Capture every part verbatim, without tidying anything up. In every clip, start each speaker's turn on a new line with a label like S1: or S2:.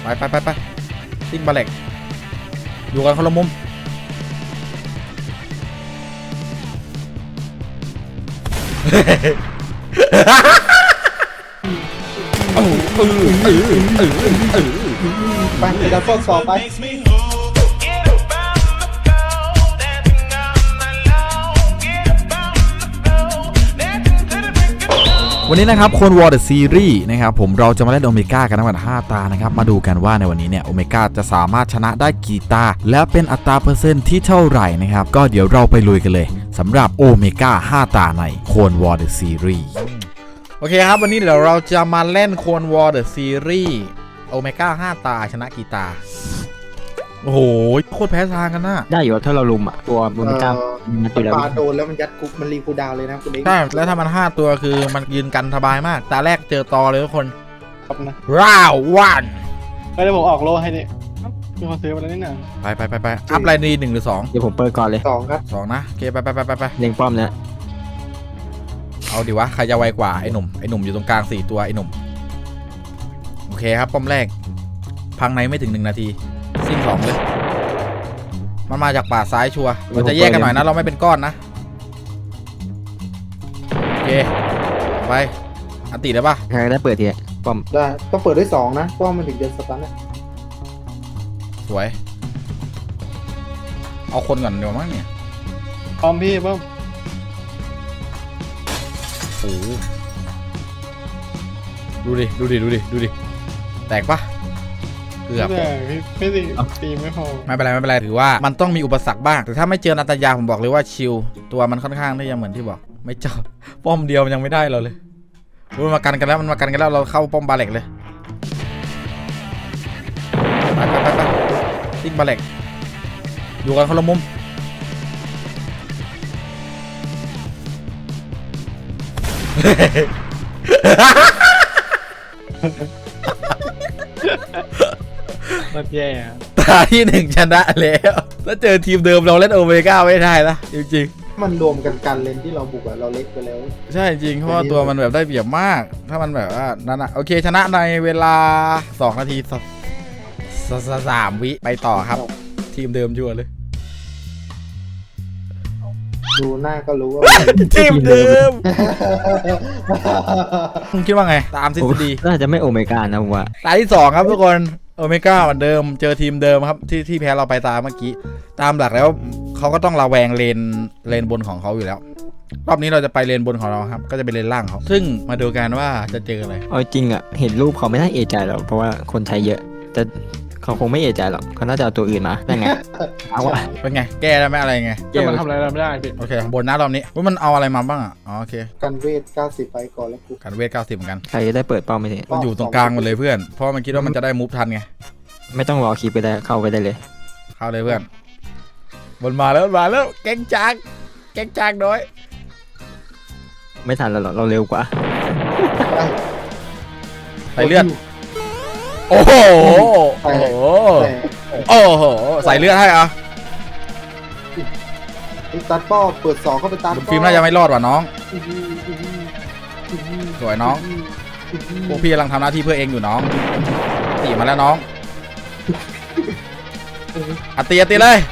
S1: ไปไปไปซิ่งบาเล็กอยู่กันคนละมุมเออเออเออเออเออ
S2: ไปเดี๋ยวฟอกสอบไป
S1: วันนี้นะครับคนวอร์เดอะซีรีส์นะครับผมเราจะมาเล่นโอเมก้ากันทั้งหมดห้าตานะครับมาดูกันว่าในวันนี้เนี่ยโอเมก้าจะสามารถชนะได้กี่ตาและเป็นอัตราเปอร์เซ็นต์ที่เท่าไหร่นะครับก็เดี๋ยวเราไปลุยกันเลยสำหรับโอเมก้าห้าตาในโคนวอร์เดอะซีรีส์โอเคครับวันนี้เดี๋ยวเราจะมาเล่นโคนวอร์เดอะซีรีส์โอเมก้าห้าตาชนะกี่ตาโอ้โหโคตรแพ้ทางกันนะ
S3: ได้อยู่ถ้าเราลุมอ่ะตัวโอเมก้ามันตีแล้ว
S2: ปาโดนแล้วมันยัดคุกมันรีคูดาวเลยนะคุณเอง
S1: ใช่แล้วถ้ามันห้าตัวคือมันยืนกันสบายมากตาแรกเจอตอเลยทุกคน
S2: ครับนะ
S1: ร้าววัน
S2: ไปเดี๋ยวผมออกโลให้นี่มีคนซื้อมาแล้วนี่นะ
S1: ไปไปไปไปอัพไลน์ดีหนึ่งหรือสอง
S3: เดี๋ยวผมเปิดก่อนเลย
S2: สองครับ
S1: สองนะโอเคไปไปไปไปไป
S3: เล็งป้อมเนี่ย
S1: เอาดิวะใครจะไวกว่าไอ้หนุ่มไอ้หนุ่มอยู่ตรงกลางสี่ตัวไอ้หนุ่มโอเคครับป้อมแรกพังในไม่ถึงหนึ่งนาทีซิ่งสองเลยมันมาจากป่าซ้ายชัวร์เราจะแยกกันหน่อยนะเราไม่เป็นก้อนนะโอเคไปอันติได้ปะ
S3: ใครได้เปิดทีป้อม
S2: ได้ต้องเปิดด้วยสองนะเพราะมันถึงจะสตาร์ทนะ
S1: สวยเอาคนก่อนเดี๋ยวมั้งเนี่ย
S2: พร้อมพี่ป้อม
S1: โอ้ดูดิดูดิดูดิดูดิแตกปะเกือบ
S2: ไม่ตีตีไม่พอ
S1: ไม่เป็นไรไม่เป็นไรถือว่ามันต้องมีอุปสรรคบ้างแต่ถ้าไม่เจอนาตายาผมบอกเลยว่าชิลตัวมันค่อนข้างที่จะเหมือนที่บอกไม่เจอป้อมเดียวมันยังไม่ได้เราเลยมันมากันกันแล้วมันมากันกันแล้วเราเข้าป้อมบาเล็กเลยไปไปไปไปซิ่งบาเล็กอยู่กันคนละมุม
S2: มันแย่
S1: ตาที่หนึ่งชนะแล้วถ้าเจอทีมเดิมเราเล่นโอเมก้าไม่ได้นะจริง
S2: ๆมันรวมกันกันเลนที่เราบุกอะเราเล็กไปแล้ว
S1: ใช่จริงเพราะว่าตัวมันแบบได้เปรียบมากถ้ามันแบบว่านั่นอะโอเคชนะในเวลาสองนาทีสามวิไปต่อครับทีมเดิมชัวร์เลย
S2: ดูหน้าก็รู้ว่า
S1: ทีมเดิมคุณคิดว่าไงตามทฤษฎี
S3: น่าจะไม่โอเมก้านะผมว่า
S1: ตาที่สองครับทุกคนโอเมก้าเหมือนเดิมเจอทีมเดิมครับที่ที่แพ้เราไปตามเมื่อกี้ตามหลักแล้วเขาก็ต้องระแวงเลนเลนบนของเขาอยู่แล้วรอบนี้เราจะไปเลนบนของเราครับก็จะเป็นเลนล่างเขาซึ่งมาดูกันว่าจะเจออะไร
S3: เอาจริงอ่ะเห็นรูปเขาไม่น่าเอะใจหรอกเพราะว่าคนใช้เยอะแต่เขาคงไม่เอะใจหรอกเขาน่าจะเอาตัวอื่นมาได้ไงเอาวะ
S1: เป็นไงแก้ได้ไหมอะไรไง
S2: แก้มันทำอะไรเราไม่ได้พี่
S1: โอเคบนหน้ารอบนี้ว่ามันเอาอะไรมาบ้างอ่ะอ๋อโอเค
S2: กันเวทเก้าสิบไปก่อนแล้วกู
S1: กันเวทเก้าสิบเหมือนกัน
S3: ใครจะได้เปิดป้อมไม่ได้
S1: มันอยู่ตรงกลางหมดเลยเพื่อนเพราะมันคิดว่ามันจะได้มูฟทันไง
S3: ไม่ต้องรอคลิปไปได้เข้าไปได้เลย
S1: เข้าเลยเพื่อนบนมาแล้วมาแล้วแก๊งจางแก๊งจางน้อย
S3: ไม่ทันแล้วหรอเราเร็วกว่า
S1: ใส่เลือดโอ้โหโอ้โหโอ้โหใส่เลือดให้อ่ะ
S2: ตัดป้อเปิดสองเข้าไปตัด
S1: ฟิล์มน่าจะไม่รอดว่ะน้องสวยน้องพวกพี่กำลังทำหน้าที่เพื่อเองอยู่น้องตีมาแล้วน้องอัดตีอัดตีเลย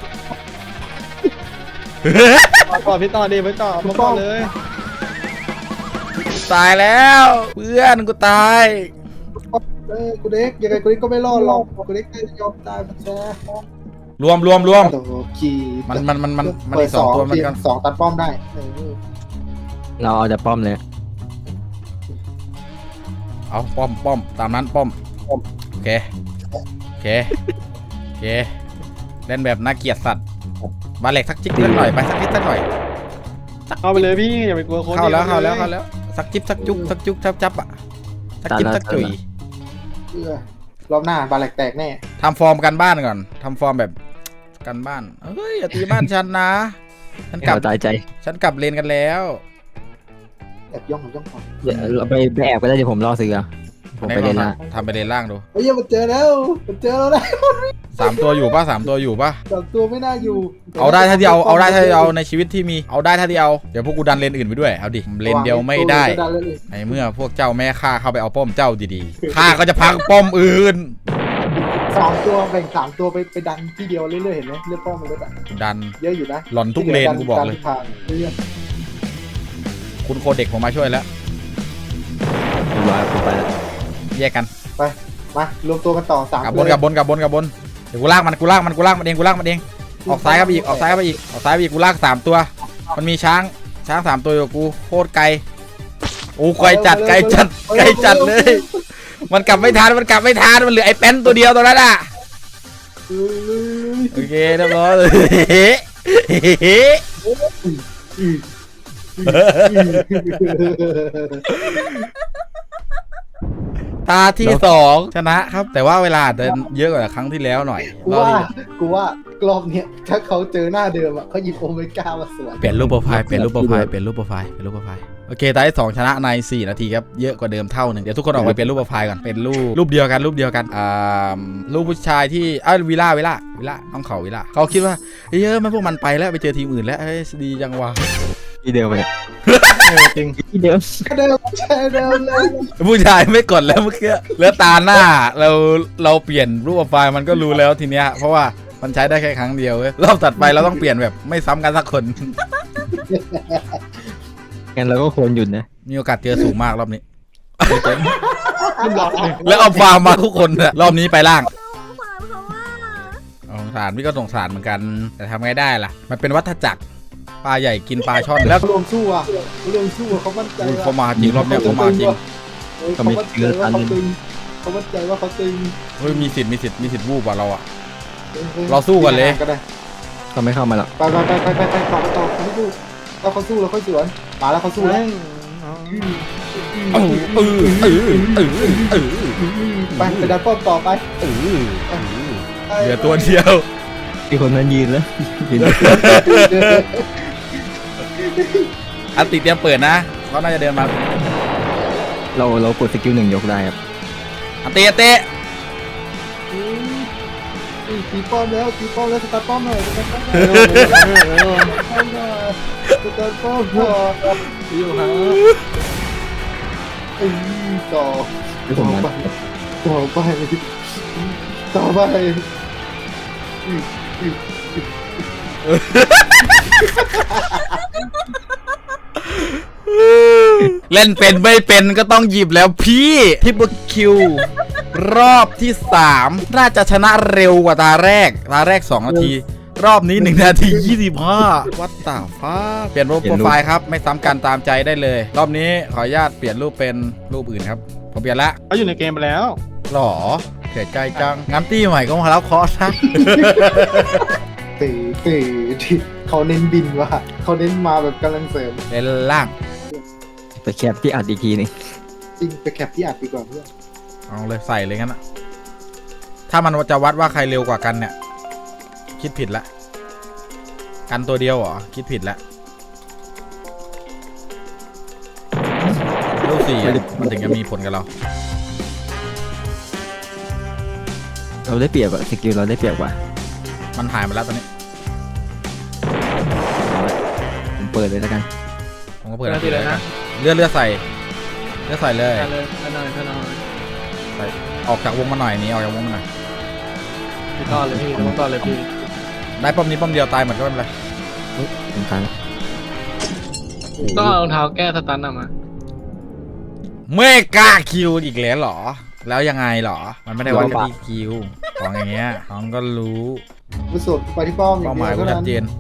S2: ต่อพี่ต่อดีไปต่อมาต่อเลย
S1: ตายแล้วเพื่อนกูตาย
S2: เออกูเด็กยังไงกูเด็กก็ไม่รอดหรอกกูเด็กได้ยอมตายมันแซ่
S1: รวมรวมรวม
S2: ขี่
S1: มันมันมันมันมันอีกสองตัวมันกัน
S2: สองตัดป้อมได้
S3: เราเอาแต่ป้อมเลย
S1: เอาป้อมป้อมตามนั้นป้อมโอเคโอเคโอเคเล่นแบบน่าเกลียดสัตว์บาเล็กสักจิ๊กสักหน่อยไปสักนิดสักหน่อย
S2: เข้าไปเลยพี่อย่าไปกลัวคน
S1: เข้าแล้วเข้าแล้วเข้าแล้วสักจิ๊บสักจุ๊บสักจุ๊บจับจับอ่ะสักจิ๊บสักจุ๋ย
S2: รอบหน้าบาเล็กแตกแน่
S1: ทำฟอร์มกันบ้านก่อนทำฟอร์มแบบกันบ้านเฮ้ยอย่าตีบ้านฉันนะฉันกลับ
S3: ตายใจ
S1: ฉันกลับเลนกันแล้ว
S2: แอบย่องย่องก่อน
S3: เราไปไปแอบก็ได้เดี๋ยวผมรอซื้อผมไปเลนล่าง
S1: ทำไปเลนล่างดู
S2: เฮ้ยมันเจอแล้วมันเจอแล้วนะ
S1: สามตัวอยู่ป่ะสามตัวอยู่ป่ะ
S2: สามตัวไม่น่าอยู่
S1: เอาได้ถ้าที่เอาเอาได้ถ้าที่เอาในชีวิตที่มีเอาได้ถ้าที่เอาเดี๋ยวพวกกูดันเลนอื่นไปด้วยเอาดิเลนเดียวไม่ได้ในเมื่อพวกเจ้าแม่ข้าเข้าไปเอาป้อมเจ้าดีๆข้าก็จะพังป้อมอื่น
S2: สามตัวแบ่งสามตัวไปไปดันที่เดียวเรื่อยๆเห็นไหมเลือดป้อมมันลดอ่ะ
S1: ดัน
S2: เยอะอยู่นะ
S1: หล่อนทุกเลนกูบอกเลย
S2: ทางเรื่อย
S1: คุณโคเด็กผมมาช่วยแล้ว
S3: เรียบร้อยผมไปแล้ว
S1: แยกกัน
S2: ๆมารวมตัวกันต่อสาม
S1: กับบนกับบนกับบนกับบนเดี๋ยวกูลากมันกูลากมันกูลากมันเองกูลากมันเองออกซ้ายครับอีกออกซ้ายครับอีกออกซ้ายไปอีกกูลากสามตัว มันมีช้างช้างสามตัวอยู่กับกูโคตรไกลโอ้ไกลจัดไกลจัดไกลจัดเลย มันกลับไม่ทันมันกลับไม่ทันมันเหลือไอ้แป้นตัวเดียวตัวนั้นอ่ะ
S2: เอ้ย
S1: โอเคเรียบร้อยเลย ตาที่สองชนะครับ แต่ว่าเวลาเดินเยอะกว่าครั้งที่แล้วหน่อย
S2: กู
S1: รอบ
S2: ว่า
S1: นี้
S2: กูว่ารอบเนี้ยถ้าเขาเจอหน้าเดิมอ่ะเขาหยิบโอเมก้ามาสวน
S1: เปลี่ยนรูปโปรไฟล์เปลี่ยนรูปโปรไฟล์เปลี่ยนรูปโปรไฟล์เปลี่ยนรูปโปรไฟล์โอเคตาที่สองชนะในสี่นาทีครับเยอะกว่าเดิมเท่าหนึ่งเดี๋ยวทุกคนออกไปเปลี่ยนรูปโปรไฟล์ก่อนเป็นรูปรูปเดียวกันรูปเดียวกันอ่ารูปผู้ชายที่อ้าววิล่าวิล่าวิล่าน้องเขาวิล่าเขาคิดว่าเฮ้ยมันพวกมันไปแล้วไปเจอทีมอื่นแล้วเฮ้ยดีจังวะ
S3: ที่เดิมไปเลย
S2: จริง
S3: ที่เดิม
S2: เดิมใช่เดิมเลย
S1: ผู้ชายไม่กดแล้วเมื่อกี้แล้วตาหน้าเราเราเปลี่ยนรูปโปรไฟล์มันก็รู้แล้วทีเนี้ยเพราะว่ามันใช้ได้แค่ครั้งเดียวเว้ยรอบตัดไปเราต้องเปลี่ยนแบบไม่ซ้ำกันสักคน
S3: งั้นเราก็ควรหยุดนะ
S1: มีโอกาสเจอสูงมากรอบนี้ แล้วเอาฟาร์มมาทุกคนอะรอบนี้ไปล่างสงสารพี่ก็สงสารเหมือนกันแต่ทำไงได้ล่ะมันเป็นวัฏจักรปลาใหญ่กินปลาช่อนแล้ว
S2: รวมสู้อ่ะรวมสู้เขามั่นใจ
S1: เขามาจริงรอบเนี้ยเขามาจริง
S2: เขามั่นใจว่าเขาตึงเขามั่นใจว่าเขาตึง
S1: เฮ้ยมีสิทธิ์มีสิทธิ์มีสิทธิ์วูบกว่าเราอะ เราสู้กันเลย
S3: เขาไม่เข้ามาหรอก
S2: ไปไปไปไปไปไปต่อไปต่อเขาไม่สู้เราเขาสู้เราค่อยสวนมาแล้วเขาสู้แล้ว
S1: เออเออเออเออเออ
S2: ไปไปดันป้อมต่อไป
S1: เออเหลือตัวเดียว
S3: มีคนนั้นยืนแล้วยืน
S1: อันติเตรียมเปิดนะเขาน่าจะเดินมา
S3: เราเรากดสกิลหนึ่งยกได้ครับ
S1: อันติอันติ
S2: ตีป้อมแล้วตีป้อมแล้วสตาร์ป้อมหน่อยสตาร์ป้อมหน่อยสตาร์ป้อมหน่อยอยู่ฮะไอ้ต่อ
S3: ไม่สมนั้น
S2: ต่อไปต่อไป
S1: เล่นเป็นไม่เป็นก็ต้องหยิบแล้วพี่ทิปเปอร์คิวรอบที่สามน่าจะชนะเร็วกว่าตาแรกตาแรกสองนาทีรอบนี้หนึ่งนาทียี่สิบห้าวัดตาฟ้าเปลี่ยนรูปโปรไฟล์ครับไม่ซ้ำกันตามใจได้เลยรอบนี้ขออนุญาตเปลี่ยนรูปเป็นรูปอื่นครับผมเปลี่ยนละ
S4: เขาอยู่ในเกมไปแล้ว
S1: หรอเสียใจจังงั้นตี้ใหม่ก็มารับคอร์สนะ
S2: ตีตีเขาเน้นบินว่ะเขาเน้นมาแบบกำลังเสริม
S1: เล่นล่าง
S3: ไปแคปที่อัดอีกทีหนึง
S2: จริงไปแคปที่อัดดีกว่าเพื่อน
S1: เอาเลยใส่เลยงั้นอะถ้ามันจะวัดว่าใครเร็วกว่ากันเนี่ยคิดผิดละกันตัวเดียวเหรอคิดผิดละรูปสี่อะมันถึงจะมีผลกับเรา
S3: เราได้เปรียบอะสกิลเราได้เปรียบกว่า
S1: มันหายไปแล้วตอนนี้
S3: ผมเปิดเลยแล้วกัน
S1: ผมก็เปิดแล้วเลยนะเลือดเลือดใส่เลือดใส่เลย
S4: ได้เลยได้หน่อยได้หน่อย
S1: ใส่ออกจากวงมาหน่อยหนี้ออกจากวงมาหน่อย
S4: พี่ต่อเลยพี่ผมต่อเลยพี่
S1: ได้ป้อมนี้ป้อมเดียวตายหมดก็ไม่เป็นไร
S3: ผมตายแล้ว
S4: ต้องเอารองเท้าแก้สตันออกมา
S1: ไม่กล้าคิวอีกแล้วเหรอ แล้วยังไงเหรอมันไม่ได้วัดกันที่คิวของอย่างเงี้ยน้องก็รู้
S2: ไปสุดไปที่ป้อม
S1: เป้าหมายกูชัดเจน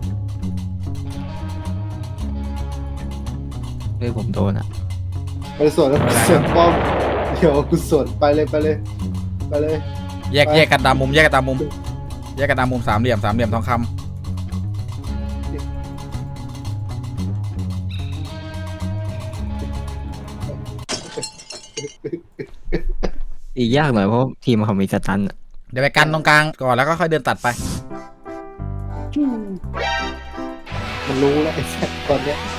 S3: เรื่องผมโดนอะ
S2: ไปสวนแล้วสวนป้อมเดี๋ยวกูสวนไปเลยไปเลยไปเลย
S1: แยกแยกกันตามมุมแยกกันตามมุมแยกกันตามมุมสามเหลี่ยมสามเหลี่ยมทองคำ
S3: อีกยากหน่อยเพราะทีมเขามีสตันอะ
S1: เดี๋ยวไปกันตรงกลางก่อนแล้วก็ค่อยเดินตัดไป
S2: มันรู้แล้วไอ้แซ่ตอนเนี้ย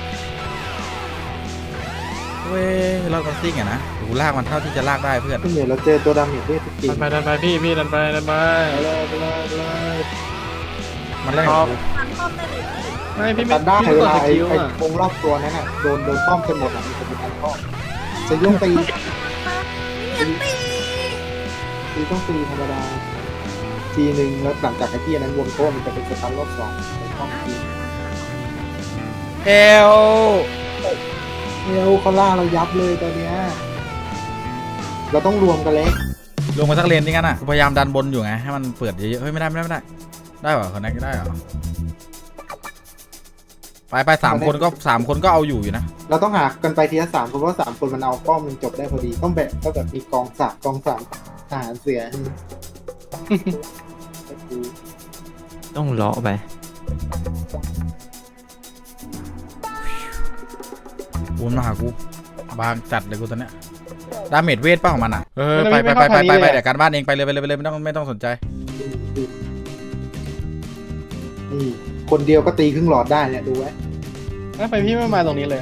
S1: เว้ยเราก็ซิ่งอะนะดูลากมันเท่าที่จะลากได้เพื่อน
S2: พี่เหนือเราเจอตัวดำอีกด้วยทุกที
S4: ดันไปดันไปพี่พี่ดันไปดันไป
S2: ไปเลยไปเลยไปเลย
S1: มันเล่น
S4: ค
S1: กั
S4: รั
S1: บบ กู
S4: ไม่พี่ไม่
S2: ตันได้
S4: พี่
S2: เว
S4: กด
S2: ลา
S4: ส
S2: ไอ้
S4: กิล
S2: ไอ้
S4: อ่ะ
S2: วงรอบตัวนั้นน่ะโดนโดนป้อมจนหมดอ่ะมันจะมีการป้อมจะยุ่งตีตีตีต้องตีธรรมดาทีหนึ่งแล้วหลังจากไอ้ที่อันนั้นวงโต้มันจะเป็นสตันรอบสองไปป้อมที
S1: เฮล
S2: เฮลเขาล่าเรายับเลยตอนเนี้ยเราต้องรวมกันเล็ก
S1: ลงมาสักเลนนี่กันอ่ะกูพยายามดันบนอยู่ไงให้มันเปิดเยอะๆเฮ้ยไม่ได้ไม่ได้ไม่ได้ได้เหรอคนนั้นก็ได้เหรอไปไปสามคนก็สามคนก็เอาอยู่อยู่นะ
S2: เราต้องหากันไปทีละสามคนเพราะสามคนมันเอาป้อมมันจบได้พอดีต้องแบบต้องแบบมีกองสามกองสามทหารเสือ
S3: ต้องเลาะไป
S1: กูมาหากูบางจัดเลยกูตอนเนี้ยดาเมจเวทป่ะของมันอ่ะเออไปไปไปไปไปไปเดี๋ยวการบ้านเองไปเลยไปเลยไปเลยไม่ต้องไม่ต้องสนใจ
S2: นี่คนเดียวก็ตีครึ่งหลอดได้เนี่ยดูไว้
S4: ถ้าไปพี่ไม่มาตรงนี้เลย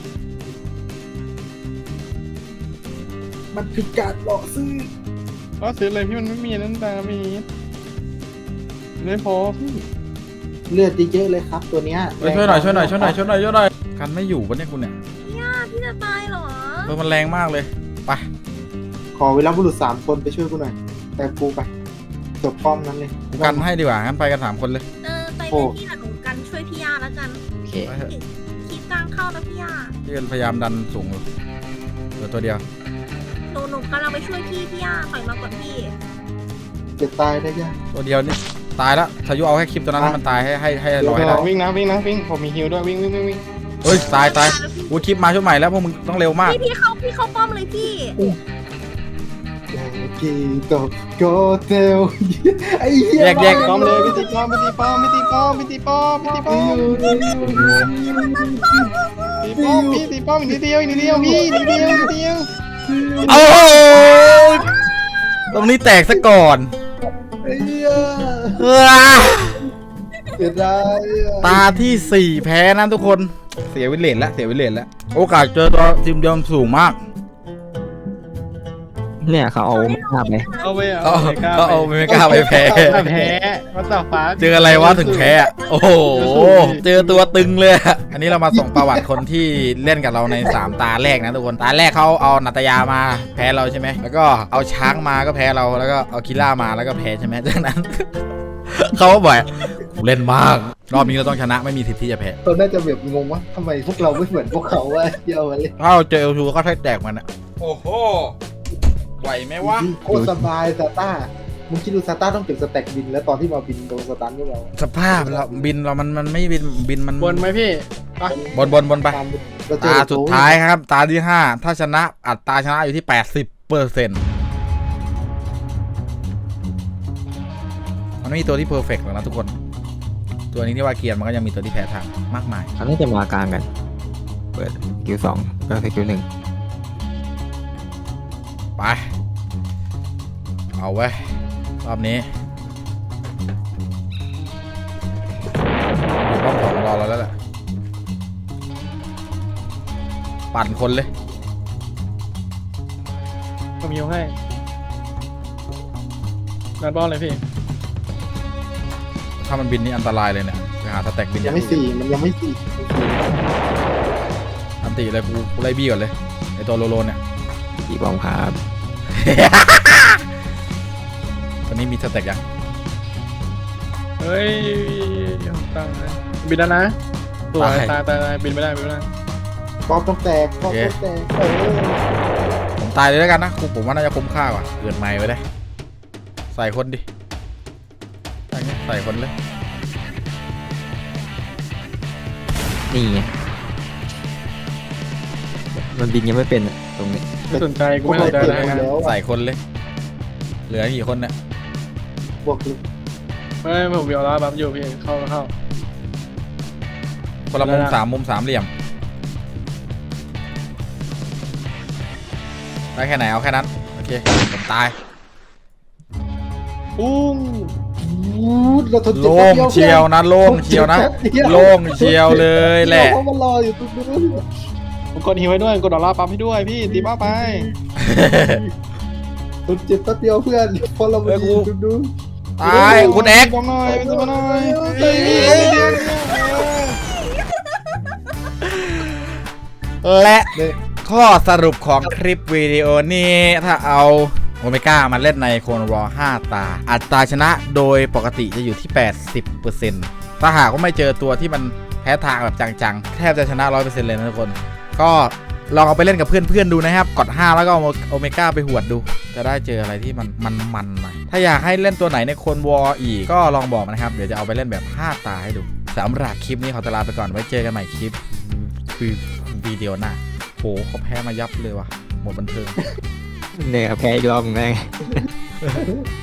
S2: มันคือการหลอกซื้อ
S4: ก็ซื้อเลยพี่มันไม่มีนั่นตามีไม่พอพี่
S2: เลือดเยอะๆเลยครับ ตัวเนี้ย
S1: เฮ้ยช่วยหน่อยช่วยหน่อยช่วยหน่อยช่วยหน่อยช่วยหน่อยกันไม่อยู่ปะเนี่ยคุณเนี่ย
S5: พี่พี่จะตายเหรอ
S1: เออมันแรงมากเลยไป
S2: ขอเวลาบุรุษสามคนไปช่วยกูหน่อยแต่กูไปจบป้อมนั้นเลย
S1: กูกันให้ดีกว่างั้นไปกันสามคนเลย
S5: เออไปเป็นพี่หนูกันช่วยพี่ยาแล้วกัน
S3: โอเค
S1: ไปเถอะ
S5: คิดกลางเข้านะพี่ยา
S1: ที่พยายามดันสูงอยู่เหลือตัวเดียว
S5: หนูหนูกำลังไปช่วยพี่พี่ยาถอยมาก่อนพี่
S2: จะตายได้ยัง
S1: ตัวเดียวนี่ตายแล้วทายุเอาแค่คลิปตัวนั้นให้มันตายให้ให้ให้รอให้ได้
S4: วิ่งนะวิ่งนะวิ่งผมมีฮิวด้วยวิ่งวิ่งวิ่งวิ่ง
S1: เฮ้ยตายตายกูคลิปมาช่วงใหม่แล้วพวกมึงต้องเร็วมาก
S5: พี่พี่เข้าพี่เข้าป้อมเลยพี่
S2: กีโตโกเทลไอ้เหี้ย
S1: แยกแยก
S4: ป้อมเลยพี่ตีป้อมพี่ตีป้อมพี่ตีป้อมพี่ตีป้อมพี่ตีป้อมตีป้อมพี่ตีป้อมอีกนิดเดียวอีกนิดเดียวพี่นิดเดียวนิดเดียว
S1: โอ้โหตรงนี้แตกซะก่อน
S2: ไอ้เหี้ย
S1: เอ้อ
S2: เสียดายอะ
S1: ตาที่สี่แพ้นะทุกคนเสียวิเลนแล้วเสียวิเลนแล้วโอกาสเจอตัวทีมเดียวสูงมาก
S3: เนี่ยเขาเอาไม่ภาพไป
S4: เอาไป
S1: ก็
S4: เอา
S1: ก็เอาไม่กล้าไปแพ้
S4: แพ้วัดต่อฟ้า
S1: เจออะไรวะถึงแพ้อะโอ้โหเจอตัวตึงเลยอะอันนี้เรามาส่งประวัติคนที่เล่นกับเราในสามตาแรกนะทุกคนตาแรกเขาเอานัตยามาแพ้เราใช่ไหมแล้วก็เอาช้างมาก็แพ้เราแล้วก็เอาคิล่ามาแล้วก็แพ้ใช่ไหมจากนั้น เขาก็บ่อยเล่นมากรอบนี้เราต้องชนะไม่มีสิทธิ์ที่จะแพ้
S2: เราน่าจะแบบงงว่าทำไมพวกเราไม่เหมือนพวกเขาวะเยอะมาเลย
S1: ถ้าเราเจอเอลทูก็แทกแตกมันอะโอ้โหไหวไหมวะ
S2: โคตรสบายซาต้ามึงคิดดูซาต้าต้องเก็บสแต็กบินแล้วตอนที่มาบินโดนสตันพวกเรา
S1: สภาพเราบินเรามันมันไม่บินบินมัน
S4: บนไหมพี่ไป
S1: บนบนบนไป
S2: ตามเราเจอ
S1: ตาสุดท้ายครับ ตาที่ห้าถ้าชนะอัตราชนะอยู่ที่แปดสิบเปอร์เซ็นต์มันไม่มีตัวที่เพอร์เฟกต์หรอกนะทุกคน ตัวนี้ที่ว่าเกียร์มันก็ยังมีตัวที่แพ้ทางมากมาย
S3: เขาน่าจะมากลางกัน เปิดคิวสองก็สกิลหนึ่ง
S1: ไป เอาไว้ยรอบนี้อยู่ป้อมของรอเราแล้วแหละปั่นคนเลย
S4: ผมฮิวให้นัดบอลเลยพี่
S1: ถ้ามันบินนี่อันตรายเลยเนี่ยไปหาสแต็กบิน
S2: ยังไม่สี่มันยังไม่สี่
S1: อันติเลยกูกูไล่บี้ก่อนเลยไอตัวโลโลเนี่ย
S3: กี่บอมครับ
S1: ตอนนี้มีสเต็กยัง
S4: เฮ้ยตั้งนะบินแล้วนะสวยตายตายตายบินไม่ได้บินไม่ได้
S2: ป้อมต้องแตกป้อมต้องแตกเออ
S1: ผมตายเลยแล้วกันนะกูผมว่าน่าจะคุ้มค่ากว่าเกินไม้ไว้ได้ใส่คนดิใส่ใส่คนเลย
S3: นี่ไงมันบินยังไม่เป็นอะตรงนี้
S4: ไม่สนใจกูไม่สนใจ
S2: เปลี่ย
S4: นะ
S2: นหมดแล้ว
S1: ใส่คนเลย เหลือกี่คนเนี่ย
S2: บวกลึก
S4: ไม่ผมเบียวแล้วบัฟอยู่พี่เข้าเข้า
S1: คนละมุม
S4: ได้ละ
S1: สามมุมสามเหลี่ยมได้แค่ไหนเอาแค่นั้นโอเคผมตาย
S4: ปุ้ง
S2: วูดเราทนเจ็บ
S1: โล่
S2: แป๊บ
S1: ง
S2: ดี
S1: เชียวนะโล่งเชียวนะโล่งเชียวเลยแหละ
S2: เพราะมันรออยู่ตรงนู้น
S4: ผมกดฮิวไว้ด้วยกดดอลลาร์ปั๊มให้ด้วยพี่ตีบ้าไป
S2: ทนเจ็บแป๊บเดียวเพื่อนเพราะเราไม่ดีตรงนู้น
S1: ตายคุณเอ็กซ์
S4: บอมหน่อยบอมหน่อย
S2: เฮ้ย
S1: และข้อสรุปของคลิปวิดีโอนี้ถ้าเอาโอเมก้ามาเล่นในโคนวอห้าตา อัตราชนะโดยปกติจะอยู่ที่ แปดสิบเปอร์เซ็นต์ ถ้าหากว่าไม่เจอตัวที่มันแพ้ทางแบบจังๆแทบจะชนะ ร้อยเปอร์เซ็นต์ เลยนะทุกคนก็ลองเอาไปเล่นกับเพื่อนๆดูนะครับกดห้าแล้วก็เอาโอเมก้าไปหวดดูจะได้เจออะไรที่มันมันๆหน่อยถ้าอยากให้เล่นตัวไหนในโคนวออีกก็ลองบอกนะครับเดี๋ยวจะเอาไปเล่นแบบห้าตาให้ดูสำหรับคลิปนี้ขอตวลาไปก่อนไว้เจอกันใหม่คลิปคือวิดีโอหน้าโหเขาแพ้มายับเลยว่ะหมดบันเทิง
S3: เนี่ยแพ้อีกรอบหนึงแม่ง